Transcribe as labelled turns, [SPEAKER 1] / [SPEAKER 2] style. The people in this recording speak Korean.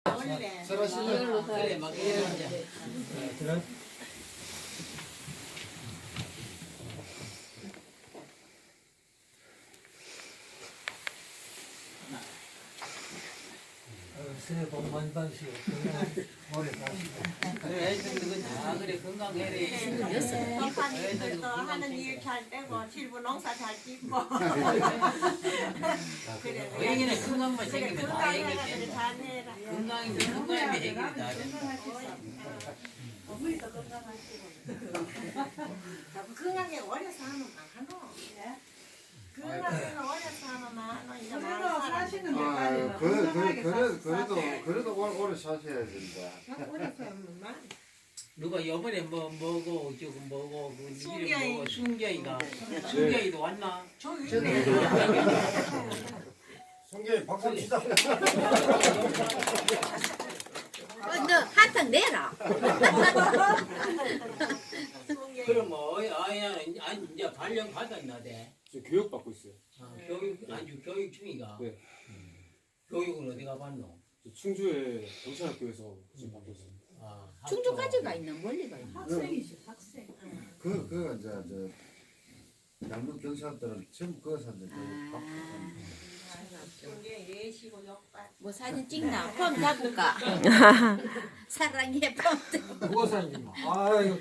[SPEAKER 1] 원래
[SPEAKER 2] 서로 신경 그래 막 이러자.
[SPEAKER 3] 그래? 새해 복 많이 받으시고 건강 오래 사시고
[SPEAKER 2] 그래 애들 다 그래 건강해래.
[SPEAKER 1] 법관님들도 하는 일 잘 되고 질부 농사 잘 짓고 그래
[SPEAKER 2] 여기는 건강만
[SPEAKER 1] 그래
[SPEAKER 2] 챙기면 다
[SPEAKER 1] 건강해가지고
[SPEAKER 2] 해결돼.
[SPEAKER 1] 잘해라.
[SPEAKER 2] 건강인데 건강이면 해결이 다 돼.
[SPEAKER 1] 건강하게 어려서 하면 많어. 건강하게 어려서 하면 많어. 이제 많은
[SPEAKER 4] 그래도
[SPEAKER 1] 사람.
[SPEAKER 4] 사시는
[SPEAKER 5] 아,
[SPEAKER 4] 데까지는 건강하게
[SPEAKER 5] 그래도 오래 사셔야 된다.
[SPEAKER 1] 어려서 하면 많어.
[SPEAKER 2] 누가 요번에 뭐고 지금 뭐고 그
[SPEAKER 1] 순경이.
[SPEAKER 2] 이름 뭐고 순경이가 순경이도 왔나?
[SPEAKER 1] 저기 있네.
[SPEAKER 5] 성경이 박수 치자.
[SPEAKER 6] 너 한탕 내라.
[SPEAKER 2] 그럼 뭐 아야 아니 이제 발령 받았나 돼.
[SPEAKER 7] 저 교육 받고 있어요.
[SPEAKER 2] 교육 아주 교육 중이가.
[SPEAKER 7] 네.
[SPEAKER 2] 교육은 어디가 받노?
[SPEAKER 7] 저 충주의 경찰학교에서 지금 받고 있어요.
[SPEAKER 2] 아,
[SPEAKER 6] 충주까지가 있나 멀리가 있나.
[SPEAKER 4] 학생이시 학생.
[SPEAKER 5] 그 이제 양국 경찰들은 전부 그거 산대.
[SPEAKER 1] 이게 예시고 역발.
[SPEAKER 6] 뭐 사진 찍나? 폼 잡을까? 사랑해 폼.
[SPEAKER 3] 누가 사님? 아유